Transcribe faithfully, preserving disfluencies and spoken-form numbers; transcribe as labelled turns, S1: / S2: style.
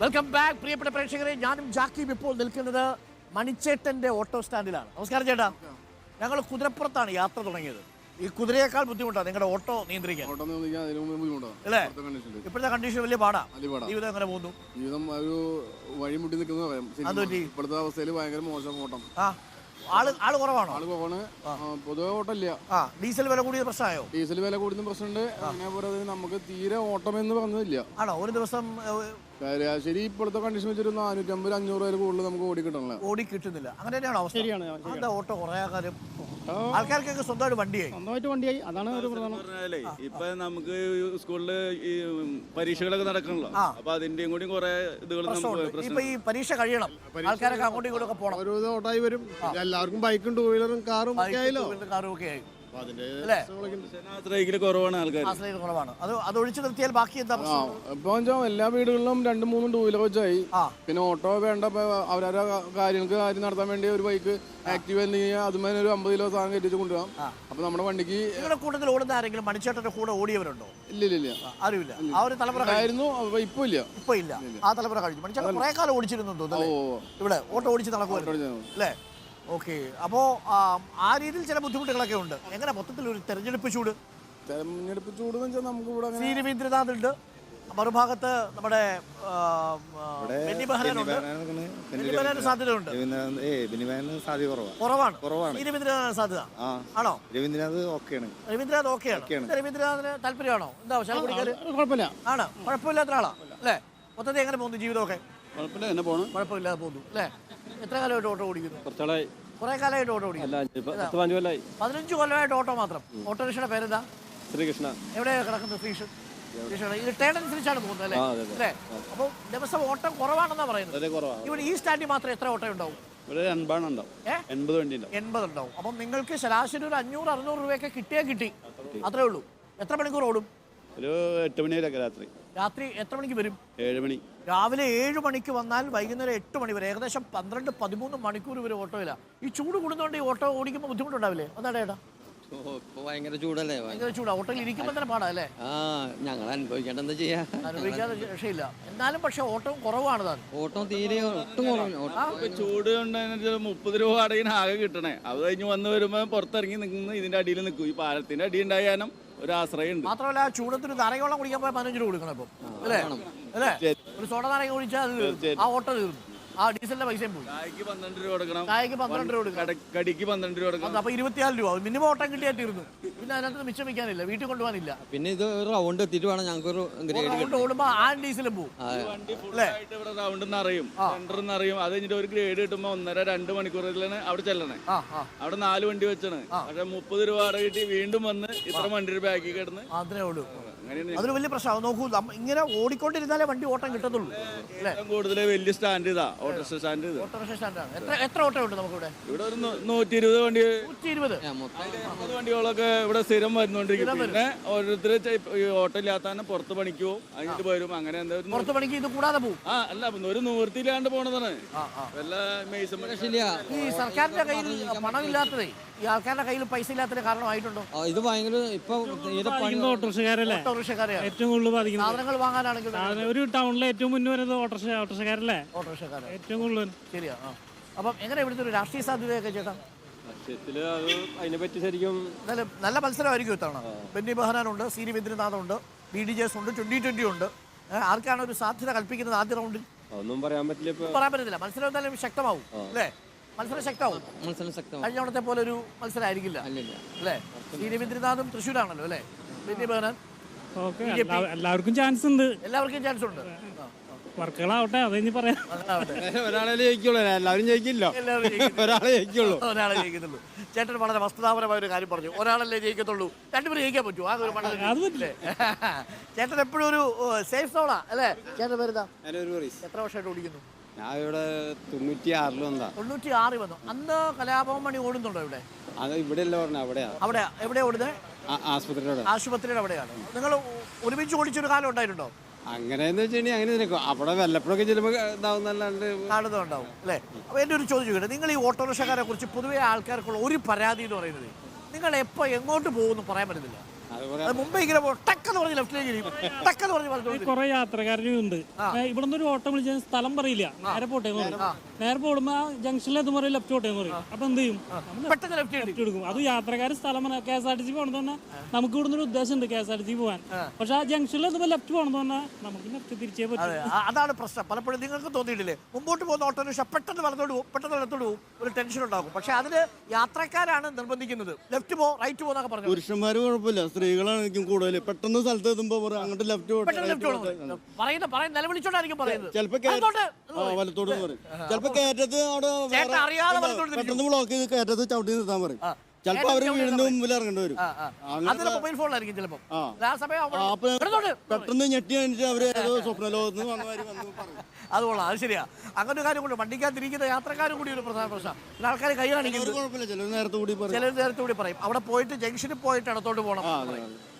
S1: Welcome back പ്രിയപ്പെട്ട പ്രേക്ഷകരെ. ഞാനും ജാക്കിയും ഇപ്പോൾ നിൽക്കുന്നത് മണിച്ചേട്ടന്റെ ഓട്ടോ സ്റ്റാൻഡിലാണ്. നമസ്കാരം ചേട്ടാ. ഞങ്ങൾ കുതിരപ്പുറത്താണ് യാത്ര തുടങ്ങിയത്. ഈ കുതിരയേക്കാൾ ബുദ്ധിമുട്ടാണ് നിങ്ങളുടെ ഓട്ടോ നിയന്ത്രിക്കാൻ അല്ലേ? ഇപ്പോഴത്തെ കണ്ടീഷൻ വലിയ പാടാ. ജീവിതം എങ്ങനെ പോകുന്നു?
S2: ജീവിതം ഒരു വഴിമുട്ടി നിൽക്കുന്ന ഇപ്പോഴത്തെ അവസ്ഥയിൽ ഭയങ്കര മോശം ഓട്ടം.
S1: ആ ആള് ആള് കുറവാണോ?
S2: ആള് കുറവാണ്. പൊതുവെ ഓട്ടമില്ല.
S1: ആ ഡീസൽ വില കൂടിയ പ്രശ്നമായോ?
S2: ഡീസൽ വില കൂടുന്ന പ്രശ്നമുണ്ട്. അതേപോലെ നമുക്ക് തീരെ ഓട്ടം എന്ന് പറഞ്ഞതില്ല.
S1: ആണോ? ഒരു ദിവസം
S2: ശരി ഇപ്പോഴത്തെ കണ്ടീഷൻ വെച്ചൊരു നാനൂറ്റമ്പത് അഞ്ഞൂറ് വരെ കൂടുതൽ നമുക്ക് ഓടി കിട്ടണല്ലോ.
S1: ഓടി കിട്ടുന്നില്ല. അങ്ങനെ തന്നെയാണോ അവസ്ഥ? എന്താ ഓട്ടോ കുറെ കാലം ആൾക്കാർക്കൊക്കെ സ്വന്തമായിട്ട് വണ്ടിയായി
S3: സ്വന്തമായിട്ട് വണ്ടിയായി അതാണ് ഒരു പ്രധാനം.
S4: ഇപ്പൊ നമുക്ക് സ്കൂളില് ഈ പരീക്ഷകളൊക്കെ നടക്കണല്ലോ. അപ്പൊ അതിന്റെയും കൂടി കുറെ ഇതുകൾ
S1: ഇപ്പൊ ഈ പരീക്ഷ കഴിയണം, ആൾക്കാരൊക്കെ അങ്ങോട്ടും ഇങ്ങോട്ടൊക്കെ പോകണം.
S2: ഓരോ ഓട്ടായി വരും. എല്ലാവർക്കും ബൈക്കും ടൂ വീലറും കാറും
S1: കാറും ഒക്കെ ആയി.
S4: കുറവാണ് ആൾക്കാർ.
S1: കുറവാണ്. അത് അത് ഒഴിച്ചു നിർത്തിയാൽ ബാക്കി എന്താ?
S2: ഇപ്പൊ എല്ലാ വീടുകളിലും രണ്ടും മൂന്നും ടൂ വീലർ വെച്ചായി. പിന്നെ ഓട്ടോ വേണ്ട. അവരവരുടെ കാര്യങ്ങൾക്ക് കാര്യം നടത്താൻ വേണ്ടി ഒരു ബൈക്ക് ആക്റ്റീവ് ആയിരുന്നെങ്കിൽ അതുമായി ഒരു അമ്പത് കിലോ സാധനം കെട്ടിച്ച് കൊണ്ടുപോകാം. അപ്പൊ നമ്മുടെ വണ്ടിക്ക്
S1: നിങ്ങളുടെ കൂട്ടത്തിൽ ഓടുന്ന ആരെങ്കിലും മണിച്ചേട്ടന്റെ കൂടെ ഓടിയവരുണ്ടോ?
S2: ഇല്ല ഇല്ല ഇല്ല
S1: ആരുമില്ല. ആ ഒരു തലമുറ
S2: ആയിരുന്നു. ഇപ്പൊ ഇല്ല
S1: ഇപ്പൊ ഇല്ല. ആ തലമുറ കഴിഞ്ഞു. മണിച്ചേട്ടൻ കുറെ കാലം ഓടിച്ചിരുന്നു തോന്നുന്നു. ഇവിടെ ഓട്ടോ ഓടിച്ച് നടക്കുമായിരുന്നു അല്ലേ? ഓക്കെ. അപ്പോ ആ രീതിയിൽ ചില ബുദ്ധിമുട്ടുകളൊക്കെ ഉണ്ട്. എങ്ങനെ മൊത്തത്തിൽ ഒരു തെരഞ്ഞെടുപ്പ് ചൂട്?
S2: തെരഞ്ഞെടുപ്പ് ചൂട് എന്ന് വെച്ചാൽ നമുക്ക് ഇവിടെ
S1: സി രവീന്ദ്രനാഥ് ഉണ്ട്, മറുഭാഗത്ത് നമ്മുടെ ബെന്നി ബെഹനാനുണ്ട്. ബെന്നി ബെഹനാന് സാധ്യതയുണ്ട്. കുറവാണ്. സി രവീന്ദ്രനാഥ് സാധ്യത ആണോ?
S5: രവീന്ദ്രനാഥ് ഓക്കെയാണ്.
S1: രവീന്ദ്രനാഥ് ഓക്കെയാണ്. രവീന്ദ്രനാഥിന് താല്പര്യമാണോ? എന്താ ശാല കുടിക്കാറ്?
S3: കുഴപ്പമില്ല.
S1: ആണ്. കുഴപ്പമില്ലാത്ത ആളാ അല്ലേ? മൊത്തത്തിൽ എങ്ങനെ പോകുന്നു ജീവിതമൊക്കെ?
S4: കുഴപ്പമില്ല, എന്നെ പോകണം.
S1: കുഴപ്പമില്ലാതെ പോകുന്നു അല്ലേ? എത്ര കാലമായിട്ട് ഓട്ടോ ഓടിക്കുന്നു?
S4: കുറച്ചാളായി.
S1: കുറെ കാലമായിട്ട് ഓട്ടോ ഓടിക്കുന്നു. പതിനഞ്ച് കൊല്ലമായിട്ട് ഓട്ടോ മാത്രം. ഓട്ടോറിക്ഷയുടെ പേരെന്താ?
S4: ശ്രീകൃഷ്ണ.
S1: എവിടെയാണ് കിടക്കുന്നത്? ശ്രീകൃഷ്ണ. ഇത് ടേൺ അനുസരിച്ചാണ് പോകുന്നത് അല്ലേ? അല്ലേ? അപ്പോൾ ദിവസം ഓട്ടം കുറവാണെന്നാ പറയുന്നത്. ഇവിടെ ഈ സ്റ്റാൻഡിൽ മാത്രം എത്ര ഓട്ടോ ഉണ്ടാവും? എൺപത് ഉണ്ടാവും. അപ്പം നിങ്ങൾക്ക് ശരാശരി ഒരു അഞ്ഞൂറ് അറുന്നൂറ് രൂപയൊക്കെ കിട്ടിയാൽ കിട്ടി, അത്രേ ഉള്ളൂ. എത്ര മണിക്കൂർ ഓടും?
S4: ഒരു എട്ട് മണി വരെയൊക്കെ രാത്രി.
S1: രാത്രി എത്ര മണിക്ക് വരും?
S4: ഏഴ് മണി.
S1: രാവിലെ ഏഴ് മണിക്ക് വന്നാൽ വൈകുന്നേരം എട്ട് മണി വരെ, ഏകദേശം പന്ത്രണ്ട് പതിമൂന്ന് മണിക്കൂർ വരെ ഓട്ടോയില്ല. ഈ ചൂട് കൂടുന്നതുകൊണ്ട് ഈ ഓട്ടോ ഓടിക്കുമ്പോൾ ബുദ്ധിമുട്ടുണ്ടാവില്ലേ? അതാണ് ഏട്ടാ.
S5: ഭയങ്കര ചൂടല്ലേ? ഭയങ്കര
S1: ചൂടാ. ഓട്ടോയിൽ ഇരിക്കുമ്പോൾ തന്നെ പാടാ അല്ലേ?
S5: ആ ഞങ്ങൾ അനുഭവിക്കേണ്ട എന്താ ചെയ്യാ?
S1: അനുഭവിക്കാതെ രക്ഷയില്ല. എന്നാലും പക്ഷെ ഓട്ടം കുറവാണ് താൻ.
S5: ഓട്ടം തീരെ ഒട്ടും കുറവ്.
S4: ചൂട് കൊണ്ട് മുപ്പത് രൂപ അടയിന് ആകെ കിട്ടണേ. അത് കഴിഞ്ഞ് വന്ന് വരുമ്പോൾ പുറത്തിറങ്ങി നിൽക്കുന്ന ഇതിന്റെ അടിയിൽ നിൽക്കും. ഈ പാലത്തിന്റെ അടി ഉണ്ടായാലും ഒരു ആശ്രയം ഉണ്ട്.
S1: മാത്രമല്ല ചൂടത്തിന് നാരങ്ങ കുടിക്കാൻ പോയാൽ പതിനഞ്ച് രൂപ കൊടുക്കണം ഇപ്പം അല്ലേ? അല്ലേ? ഒരു സോഡ നാരങ്ങ കുടിച്ചാൽ ആ ഓട്ടോ തീർന്നു. ആ ഡീസലിന്റെ പൈസയും പോയി.
S4: ചായക്ക് പന്ത്രണ്ട് രൂപ കൊടുക്കണം.
S1: ചായക്ക് പന്ത്രണ്ട് രൂപ കൊടുക്കണം.
S4: കടിക്ക് പന്ത്രണ്ട് രൂപ കൊടുക്കണം.
S1: അപ്പൊ ഇരുപത്തിനാല് രൂപ മിനിമം ഓട്ടം കിട്ടിയാൽ തീർന്നു. പിന്നെ അതിനകത്ത് മിച്ചം വെക്കാനില്ല, വീട്ടിൽ കൊണ്ടുപോകാനില്ല.
S5: പിന്നെ ഇത് റൗണ്ട് എത്തിയിട്ട് വേണം ഞങ്ങൾക്ക്
S1: ഓടുമ്പോ ആ ഡീസലും പോകും.
S4: വണ്ടി ഫുള്ളായിട്ട് ഇവിടെ റൗണ്ട് നിറയും, സെന്റർ നിറയും. അത് കഴിഞ്ഞിട്ട് ഒരു ഗ്രേഡ് കിട്ടുമ്പോ ഒന്നര രണ്ട് മണിക്കൂറിലാണ് അവിടെ ചെല്ലണേ. അവിടെ നാല് വണ്ടി വെച്ചാണ്. പക്ഷെ മുപ്പത് രൂപ അട കിട്ടി വീണ്ടും വന്ന് ഇത്ര വണ്ടി ബാക്കി കിടന്ന്
S1: അതിനേ ഉള്ളൂ. അതൊരു വലിയ പ്രശ്നമാണ്. നോക്കൂ, ഇങ്ങനെ ഓടിക്കൊണ്ടിരുന്നാലേ വണ്ടി ഓട്ടം കിട്ടത്തുള്ളൂ.
S4: കൂടുതൽ വലിയ സ്റ്റാൻഡ് ഇതാ ഓട്ടോറിക്ഷ സ്റ്റാൻഡ്.
S1: ഓട്ടോറിക്ഷ സ്റ്റാൻഡാണ്. എത്ര എത്ര ഓട്ടോ ഉണ്ട് നമുക്ക് ഇവിടെ?
S4: ഇവിടെ ഒരു നൂറ്റി ഇരുപത് വണ്ടി
S1: നൂറ്റി ഇരുപത്
S4: വണ്ടികളൊക്കെ ഇവിടെ സ്ഥിരം വരുന്നോണ്ടിരിക്കും. പിന്നെ ഓരോരുത്തർ ഓട്ടോ ഇല്ലാത്ത പുറത്ത് പണിക്ക് പോകും, അതിട്ട് വരും. അങ്ങനെ എന്താ
S1: പുറത്ത് പണിക്ക് ഇത് കൂടാതെ പോകും.
S4: ആ അല്ല, ഒരു നിവൃത്തിയില്ലാണ്ട് പോണതാണ്. വല്ല
S1: ഈ സർക്കാരിന്റെ കയ്യിൽ പണമില്ലാത്തതേ, ഈ ആൾക്കാരുടെ കയ്യിൽ പൈസ ഇല്ലാത്തതിന് കാരണമായിട്ടുണ്ടോ?
S5: ഇത് ഭയങ്കര ഇപ്പൊ
S3: ഓട്ടോറിക്ഷക്കാരല്ലേ ഏറ്റവും കൂടുതൽ ബാധിക്കുന്നത്.
S1: സാധനങ്ങൾ വാങ്ങാനാണെങ്കിൽ
S3: ഒരു ടൗണിലെ ഏറ്റവും മുന്നേ വരുന്നത് ഓട്ടോറിക്ഷ ഓട്ടോറിക്ഷക്കാരല്ലേ?
S1: ഓട്ടോറിക്ഷക്കാരെ
S3: ഏറ്റവും കൂടുതൽ.
S1: ശരിയാ. അപ്പം എങ്ങനെ ഇവിടുത്തെ ഒരു രാഷ്ട്രീയ സാധ്യതയൊക്കെ ചേട്ടാ?
S4: അതിനെ പറ്റി ശരിക്കും
S1: നല്ല നല്ല മത്സരമായിരിക്കും ഇത്തവണ. ബെന്നി ബെഹനാനുണ്ട്, സി രവീന്ദ്രനാഥ് ഉണ്ട്, ബി ഡി ജെ എസ് ഉണ്ട്, ട്വന്റി ട്വന്റി ഉണ്ട്. ആർക്കാണ് ഒരു സാധ്യത കൽപ്പിക്കുന്നത് ആദ്യ റൗണ്ടിൽ?
S4: ഒന്നും പറയാൻ പറ്റില്ല.
S1: പറയാൻ പറ്റത്തില്ല. മത്സരം എന്തായാലും ശക്തമാവും അല്ലേ? മത്സരം ശക്തമാവും.
S5: മത്സരം ശക്തമാവും.
S1: കഴിഞ്ഞ തവണത്തെ പോലെ ഒരു മത്സരം ആയിരിക്കില്ല അല്ലേ? സി രവീന്ദ്രനാഥും തൃശ്ശൂരാണല്ലോ അല്ലേ? ബെന്നി ബെഹനാൻ.
S3: എല്ലാവർക്കും ചാൻസ് ഉണ്ട്.
S1: എല്ലാവർക്കും ചാൻസ് ഉണ്ട്.
S3: വർക്കുകളാവട്ടെ, അത് ഇനി പറയാം.
S5: ഒരാളെ ജയിക്കുള്ളൂ, എല്ലാവരും ജയിക്കില്ല. ഒരാളെ ജയിക്കുള്ളൂ.
S1: ഒരാളെ ജയിക്കത്തുള്ളൂ. ചേട്ടൻ വളരെ വസ്തുതാപരമായ ഒരു കാര്യം പറഞ്ഞു. ഒരാളല്ലേ ജയിക്കത്തുള്ളൂ, രണ്ടുപേരും ജയിക്കാൻ പറ്റുമോ? ആ ഒരു പണ്ടല്ലേ ചേട്ടൻ എപ്പോഴും ഒരു സേഫ് സോണാ അല്ലേ? ചേട്ടൻ വരുന്ന എത്ര വർഷമായിട്ട് ഓടിക്കുന്നു?
S5: ഞാൻ ഇവിടെ തൊണ്ണൂറ്റി ആറിൽ വന്നാ.
S1: തൊണ്ണൂറ്റി ആറിൽ വന്നു. അന്ന് കലാഭവൻ മണി ഓടുന്നുണ്ടോ ഇവിടെ?
S5: അത് ഇവിടെ അല്ല പറഞ്ഞ അവിടെയാ.
S1: അവിടെ എവിടെയാ ഓടുന്നത്?
S5: ആശുപത്രിയുടെ
S1: ആശുപത്രിയുടെ അവിടെയാണ്. നിങ്ങൾ ഒരുമിച്ച് ഓടിച്ചൊരു കാലം ഉണ്ടായിട്ടുണ്ടോ?
S5: അങ്ങനെയെന്ന് വെച്ചിട്ടുണ്ടെങ്കിൽ അങ്ങനെ നിൽക്കും. അവിടെ വല്ലപ്പോഴൊക്കെ ചിലപ്പോൾ ഇതാവുന്നല്ലാണ്ട്
S1: കാണുന്നുണ്ടാവും അല്ലേ? അപ്പോൾ എൻ്റെ ഒരു ചോദ്യം ചോദിക്കട്ടെ, നിങ്ങൾ ഈ ഓട്ടോറിക്ഷക്കാരെ കുറിച്ച് പൊതുവെ ആൾക്കാർക്കുള്ള ഒരു പരാതി എന്ന് പറയുന്നത്, നിങ്ങൾ എപ്പോൾ എങ്ങോട്ട് പോകുമെന്ന് പറയാൻ പറ്റുന്നില്ല. അത് മുമ്പേ ഇങ്ങനെ ടക്കെന്ന് പറഞ്ഞ് ലെഫ്റ്റിലേക്ക് ടക്കെന്ന് പറഞ്ഞ് പറഞ്ഞു
S3: കുറെ യാത്രക്കാരും ഉണ്ട് ഇവിടെ നിന്ന് ഒരു ഓട്ടം വിളിച്ച സ്ഥലം പറയില്ല നേരെ പോട്ടെ എന്ന് പറയും നേരെ പോകുമ്പോ ജംഗ്ഷനിൽ എത്തുമ്പോൾ പറയും ലെഫ്റ്റ് പോട്ടെ എന്ന് പറയും അപ്പൊ എന്ത് ചെയ്യും
S1: പെട്ടെന്ന് ലെഫ്റ്റ്
S3: ലെഫ്റ്റ് എടുക്കും അത് യാത്രക്കാർ സ്ഥലം K S R T C പോകണമെന്ന് പറഞ്ഞാൽ നമുക്ക് ഇവിടുന്ന് ഒരു ഉദ്ദേശം ഉണ്ട് K S R T C പോകാൻ പക്ഷെ ആ ജംഗ്ഷനിൽ എത്തുമ്പോൾ ലെഫ്റ്റ് പോകണമെന്ന് പറഞ്ഞാൽ നമുക്ക് ലെഫ്റ്റ് തിരിച്ചേ പറ്റും.
S1: അതാണ് പ്രശ്നം. പലപ്പോഴും നിങ്ങൾക്ക് തോന്നിയിട്ടില്ലേ മുമ്പോട്ട് പോകുന്ന ഓട്ടോറിക്ഷ പെട്ടെന്ന് വലത്തോട്ട് പോകും പെട്ടെന്ന് വലത്തോട്ട് പോകും ഒരു ടെൻഷൻ ഉണ്ടാകും. പക്ഷെ അതിന് യാത്രക്കാരാണ് നിർബന്ധിക്കുന്നത് ലെഫ്റ്റ് പോ റൈറ്റ് പോ എന്നൊക്കെ പറഞ്ഞു.
S6: പുരുഷന്മാര് കുഴപ്പമില്ല, സ്ത്രീകളാണ് കൂടുതൽ. പെട്ടെന്ന് സ്ഥലത്ത് എത്തുമ്പോ അങ്ങോട്ട് ലെഫ്റ്റ്
S1: പറയുന്ന പറയുന്ന നിലവിളിച്ചോണ്ടായിരിക്കും പറയുന്നത്.
S6: ചിലപ്പോ വലത്തോട് പറയും, ചിലപ്പോ കയറ്റത്ത് അവിടെ പെട്ടെന്ന് ബ്ലോക്ക് ചെയ്ത് കയറ്റത്ത് ചവിട്ടി നിർത്താൻ പറയും. ചിലപ്പോ അവര് വീടിന്റെ മുമ്പിൽ ഇറങ്ങേണ്ടി വരും.
S1: മൊബൈൽ ഫോണിലായിരിക്കും ചിലപ്പോ.
S6: പെട്ടെന്ന് ഞെട്ടി അണിച്ച് അവര് ഏതോ സ്വപ്ന ലോകത്ത് വന്നവര് വന്ന് പറയും.
S1: അത് കൊള്ളാം, അത് ശരിയാ. അങ്ങനെ ഒരു കാര്യം കൊണ്ട് വണ്ടിക്കകത്തിരിക്കുന്ന യാത്രക്കാരും കൂടി ഒരു പ്രധാന പ്രശ്നം. ആൾക്കാർ കൈ കാണിക്കുന്നത്
S6: കുഴപ്പമില്ല, ചിലർ നേരത്തെ കൂടി പറയും,
S1: ചിലർ നേരത്തെ കൂടി പറയും അവിടെ പോയിട്ട് ജംഗ്ഷനിൽ പോയിട്ട് ഇടത്തോട്ട് പോകണം.